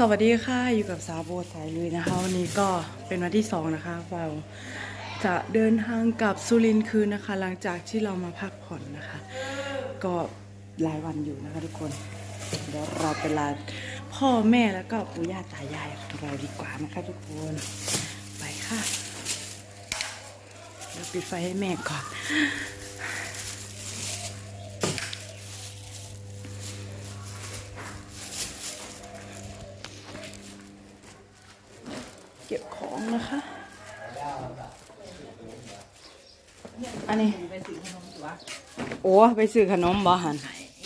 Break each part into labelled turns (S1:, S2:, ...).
S1: สวัสดีค่ะอยู่กับสาวโบสายลุยนะคะวันนี้ก็เป็นวันที่2นะคะเราจะเดินทางกลับสุรินทร์คืนนะคะหลังจากที่เรามาพักผ่อนนะคะก็หลายวันอยู่นะคะทุกคนเดี๋ยวเราไปลาพ่อแม่แล้วก็ปู่ย่าตายายของเราดีกว่านะคะทุกคนไปค่ะเดี๋ยวปิดไฟให้แม่ก่อนเก็บของนะคะอันนี้โอ้ไปซื้อขนมบ่หัน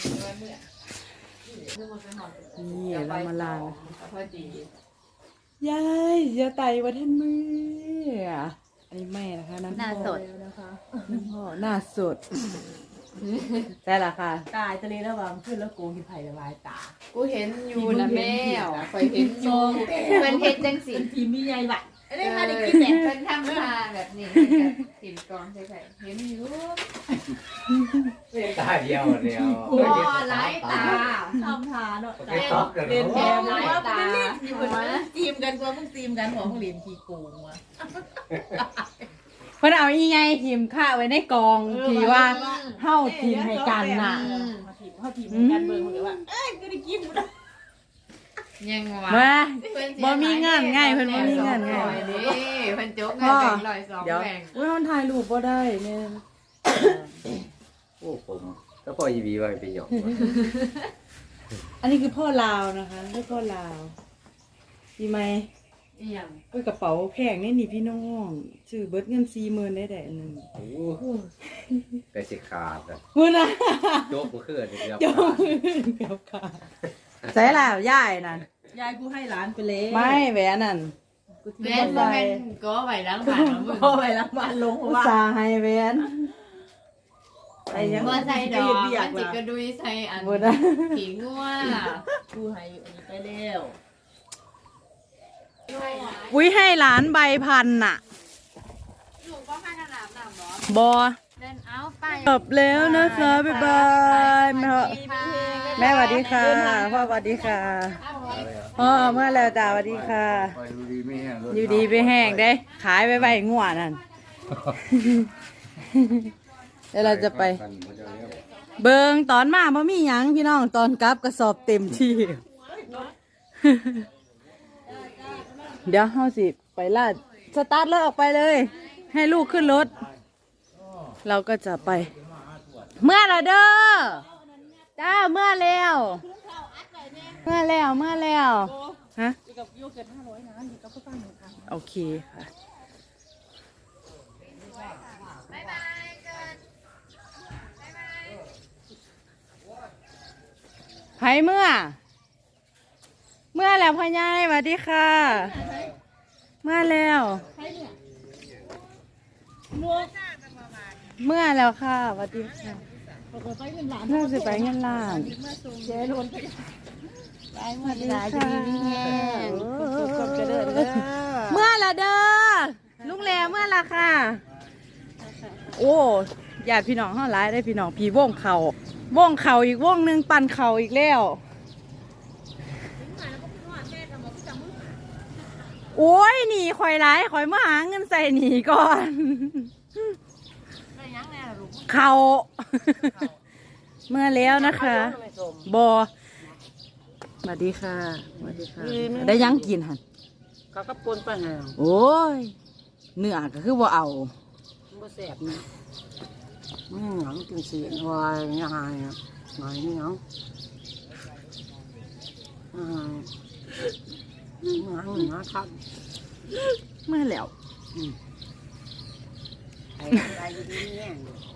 S1: นี่เรามาลายายอย่าไต่วันท่านมืออันนี้แม่นะคะนั่นพ่อนะคะนั่นพ่อหน้าสดใช่ละค่ะ
S2: ตายทะเลระหว่างขึ้นแล้วโกงกินไผ่ละลายตา
S3: กูเห็นอยู่นะแม่คอยเห็นอยู่เป็นเห็นจังสิ
S2: ทีมมีใหญ่บัด
S3: เล่นมาได้กินแต่เป็นทำมาแบบนี้ถิ่นกองใช่ๆเห็นอยู่
S4: ตาเดียว
S3: โอ้ไร้ตา
S2: ทำทาเนาะ
S4: เล่น
S3: แถมไร้ตา
S2: ทีมกันกว่ามึงทีมกันหัวมึงเรียนขี้โกงวะ
S1: เพิ่นเอาอีไงทีมข้าไว้ในกองทีว่าเฮาทีมให้กันน่ะ
S2: เขาทีมกันเบิ่งเหมือนว่าเอ้ยก็ได้กินหมด
S3: ยังวะ
S1: บ่มีงานง่ายเพิ่นบ่มีงานง่าย
S3: นี่เพิ่นจกเงินแบ่ง100 2แบ่ง
S1: อุ้ยมันถ่ายรูปบ่ได้แม่
S4: โอ้ผมแล้วพ่อยีบีว่าไปหยอก
S1: อันนี้คือพ่อลาวนะคะคือพ่อลาวดีไหมก็กระเป๋าแพงนี่นี่พี่น้องซื้อเบิดเงิน40,000ได้อันนึง
S4: โอ้แต่สิขาดอ่ะ
S1: พุ่นน่ะ
S4: โจ๊กบ่คือเดี๋ยว
S1: โจ๊กเกือบขาดใส่แล้วยายนั่น
S2: ยายกูให้หลานไปเลย
S1: ไม่แหวนนั่น
S3: แหวนบ่แม่นก็ไว้ล้างบ้านมึง
S2: ก็ไว้ล้างบ้านลง
S1: ว่าอุตส่าห์ให้แหวน
S3: ไอ้ยังบ่ใส่ดอกมันสิกระดุยใส่อันขี้งัว
S2: กูให้อันนี้ไปแล้ว
S1: อุ้ยให้หลานใบพันน่ะ
S3: ลูกบ่พาน้ำ
S1: บ่บ่
S3: เดินเอาไป
S1: จบแล้วนะคะบ๊ายบายแม่สวัสดีค่ะพ่อสวัสดีค่ะพ่อเมื่อแล้วจ้าสวัสดีค่ะอยู่ดีไม่แห้งได้ขายไปง่วนั่นแล้วเราจะไปเบิงตอนมาบ่มีหยังพี่น้องตอนกลับกระสอบเต็มที่เดี๋ยวเฮาสิไปลาดสตาร์ทรถออกไปเลยให้ลูกขึ้นรถเราก็จะไปเมื่อละเด้อจ้าเมื่อแล้วฮะโอเคค่ะไผเมื่อแล้วพ่อใหญ่สวัสดีค่ะเมื่อแล้วค่ะสวัสดีค่ะน่าจะไปเงินล้านเจ๊ล้นไปเมื่อดีค่ะเมื่อละเด้อลุงแหล่เมื่อละค่ะโอ้ญาติพี่น้องเฮาหลายได้พี่น้องพี่วงเข่าอีกวงนึงปั่นเข่าอีกแล้วโอ้ยหนีข่อยหลายข่อยมาหาเงินใส่หนีก่อนเขาเมื่อแล้วนะคะบอสวัสดีค่ะได้ยังกินหัน
S2: เขาก็ปนไปไง
S1: โอ้ยเนื้อก็คือว่าเอา
S2: บ่แสบนะหนังกินสีวายยังไงอ่ะหน่อยนี่หนังครับ
S1: เมื่อแล้ว
S2: อะไรอยู่ดีเนี่ย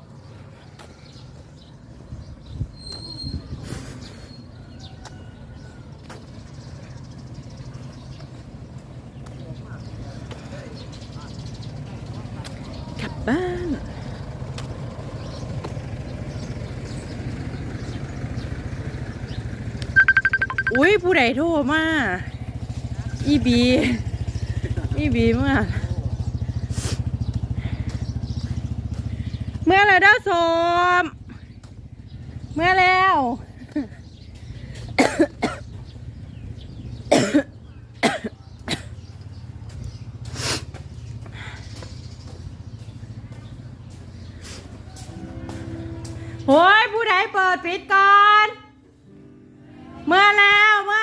S1: กลับบ้านอุ้ยผู้ใดโทรมาอีบีเมื่อไรเด้อสมเมื่อแล้วโอ้ยผู้ใดเปิดปิดก่อนเมื่อแล้ว
S3: โอ้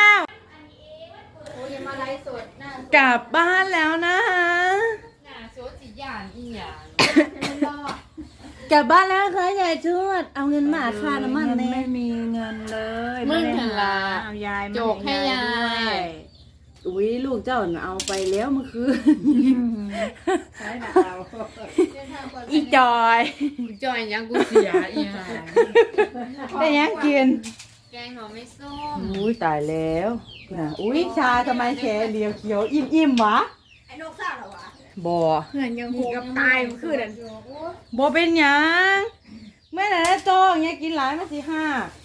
S3: ยมาไลฟ์สดหน้าก
S1: ลับบ้านแล้วนะฮะ
S3: หน้าโซจิหยานอีหยานรอด
S2: กลับบ้านแล้วค่ะยายชวดเอาเงินมาค่าน้ำมัน
S1: ไม่
S2: แน่
S1: มีเงินเลย
S3: มึงหันละ
S2: เอายายมา
S3: โจกให้ยาย
S2: อุ้ยลูกเจ้าน่ะเอาไปแล้วเมื่อคืนใช่นะเอา
S1: อีจอย
S3: จอยยังกูเสียอีหาน
S1: ได้ยังกิน
S3: แกงหน่อไม่ส้ม
S1: อุ้ยตายแล้วนะอุ้ยชาทำไมแขนเดียวเขียวอิ่มวะ
S2: ไอ้นกซ่าเหรอวะ
S1: บ่
S3: เพื่อนยังหูกับตายเมื่อคืนนั่น
S1: บ่เป็นหยังเมื่อไหร่ได้โตอย่างเงี้ยกินหลายมาสิห้า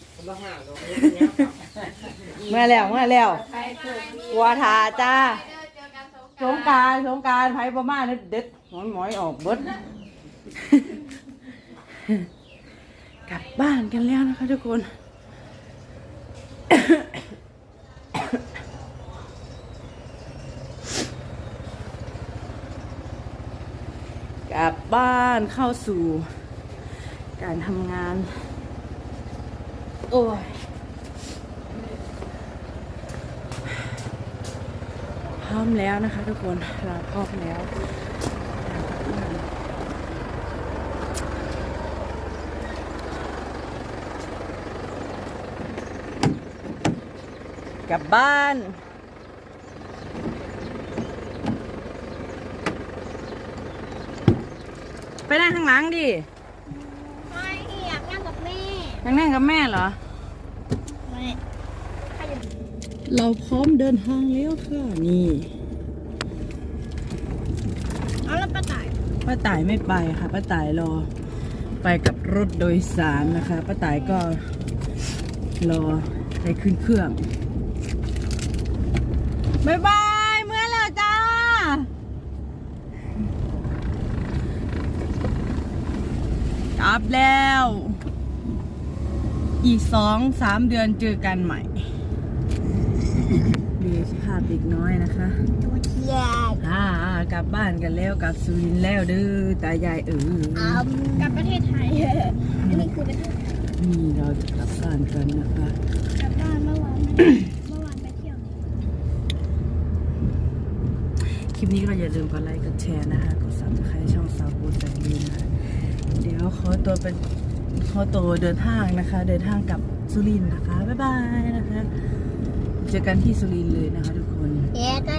S1: เมื่อแล้ววัวทาจ้า
S3: เจอกัน
S1: สงกรารไผประมาณนี้เด็ดหมอยออกเบิด กลับบ้านกันแล้วนะคะทุกคน กลับบ้านเข้าสู่การทำงาน โอ้ยพร้อมแล้วนะคะทุกคนเราพร้อมแล้ว กลับบ้าน ไปนั่งข้างหลังดิ
S5: ไม่อยากนั่งกับแม่
S1: ยังนั่งกับแม่เหรอ
S5: ไม่
S1: เราพร้อมเดินทางแล้วค่ะนี่
S5: เอาแล้วป้าต่าย
S1: ป้าต่ายไม่ไปค่ะป้าต่ายรอไปกับรถโดยสารนะคะป้าต่ายก็รอไปขึ้นเครื่องบ๊ายบายเมื่อแล้วจ้ากลับแล้ว อีก2-3 เดือนเจอกันใหม่ดูสภาพเด็กน้อยนะคะ
S5: ตัวเทียน
S1: กลับบ้านกันแล้วกลับสุรินทร์แล้วเด้อตายาย
S5: กลับประเทศไทยอันนี้คือประเทศไทย
S1: นี่เราจะกลับบ้านกันนะคะ
S5: กลับบ้านเมื่อวานไปเที่ยว
S1: คลิปนี้ก็อย่าลืมกดไลค์กดแชร์นะคะกดซับสไครต์ช่องสาวบูแสนดีนะคะเดี๋ยวขอตัวเดินทางนะคะ เดินทางกลับสุรินทร์นะคะบ๊ายบายนะคะเจอกันที่สุรินทร์เลยนะคะทุกคน
S5: เอ๊ะก็